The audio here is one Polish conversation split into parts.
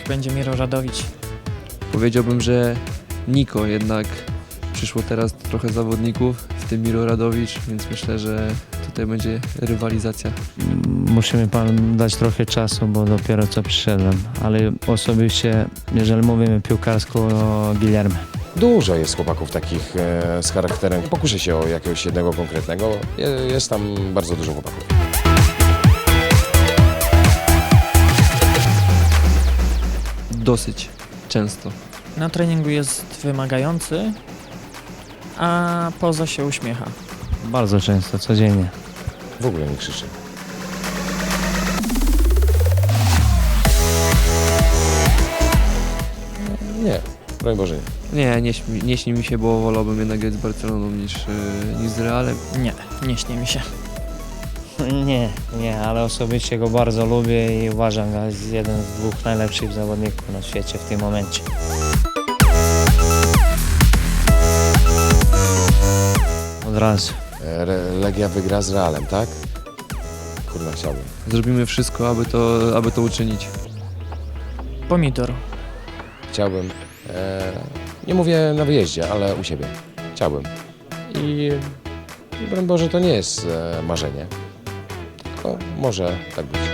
będzie Miro Radowicz. Powiedziałbym, że Niko, jednak przyszło teraz trochę zawodników, w tym Miro Radowicz, więc myślę, że tutaj będzie rywalizacja. Musimy Pan dać trochę czasu, bo dopiero co przyszedłem, ale osobiście, jeżeli mówimy piłkarsko, o Guilherme. Dużo jest chłopaków takich z charakterem. Nie pokuszę się o jakiegoś jednego konkretnego. Jest tam bardzo dużo chłopaków. Dosyć często. Na treningu jest wymagający, a poza się uśmiecha. Bardzo często, codziennie. W ogóle nie krzyczy. Nie, broń Boże nie. Nie śni mi się, bo wolałbym jednak grać z Barceloną niż z Realem. Nie śni mi się. Nie, ale osobiście go bardzo lubię i uważam go za jeden z dwóch najlepszych zawodników na świecie w tym momencie. Od razu. Legia wygra z Realem, tak? Kurwa, chciałbym. Zrobimy wszystko, aby to uczynić. Pomidor. Chciałbym, nie mówię na wyjeździe, ale u siebie. Chciałbym. I broń Boże, to nie jest marzenie. Tylko może tak być.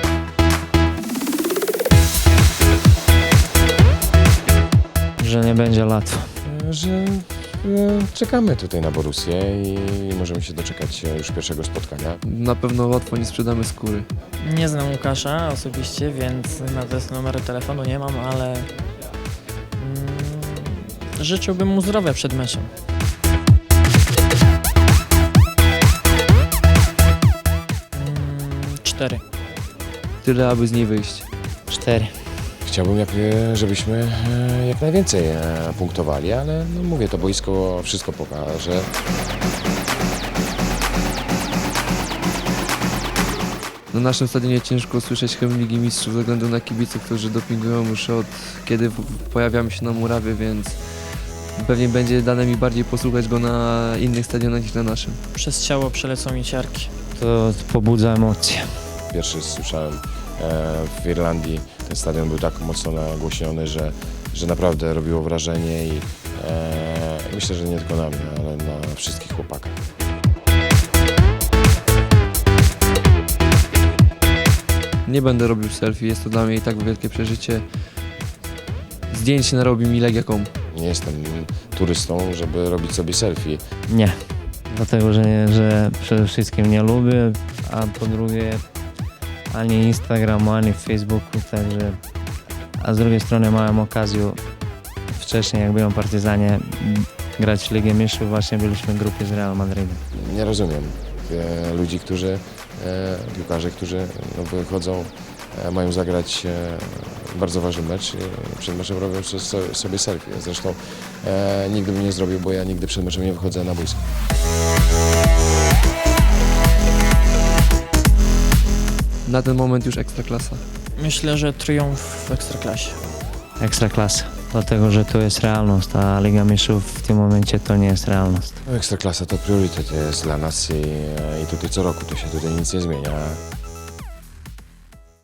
Że nie będzie łatwo. Że czekamy tutaj na Borussię i możemy się doczekać już pierwszego spotkania. Na pewno łatwo nie sprzedamy skóry. Nie znam Łukasza osobiście, więc nawet numeru telefonu nie mam, ale życzyłbym mu zdrowia przed meczem. Cztery. Tyle, aby z niej wyjść. 4. Chciałbym, żebyśmy jak najwięcej punktowali, ale no mówię, to boisko wszystko pokaże. Na naszym stadionie ciężko usłyszeć hymn Ligi Mistrzów ze względu na kibiców, którzy dopingują już od kiedy pojawiamy się na murawie, więc pewnie będzie dane mi bardziej posłuchać go na innych stadionach niż na naszym. Przez ciało przelecą mi ciarki. To pobudza emocje. Pierwszy słyszałem w Irlandii, ten stadion był tak mocno nagłośniony, że naprawdę robiło wrażenie i myślę, że nie tylko na mnie, ale na wszystkich chłopakach. Nie będę robił selfie, jest to dla mnie i tak wielkie przeżycie. Zdjęć narobi mi Legia.com. Nie jestem turystą, żeby robić sobie selfie. Nie, dlatego że przede wszystkim nie lubię, a po drugie ani Instagramu, ani Facebooku, także... A z drugiej strony miałem okazję wcześniej, jak byłem w Partyzanie, grać w Ligę Mistrzów, właśnie byliśmy w grupie z Real Madridem. Nie rozumiem ludzi, piłkarzy, którzy wychodzą, mają zagrać bardzo ważny mecz i przed meczem robią sobie selfie. Zresztą nigdy bym nie zrobił, bo ja nigdy przed meczem nie wychodzę na boisko. Na ten moment już ekstraklasa. Myślę, że triumf w Ekstraklasie. Ekstraklasa, dlatego że to jest realność, a Liga Mistrzów w tym momencie to nie jest realność. Ekstraklasa to priorytet jest dla nas i tutaj co roku to się tutaj nic nie zmienia.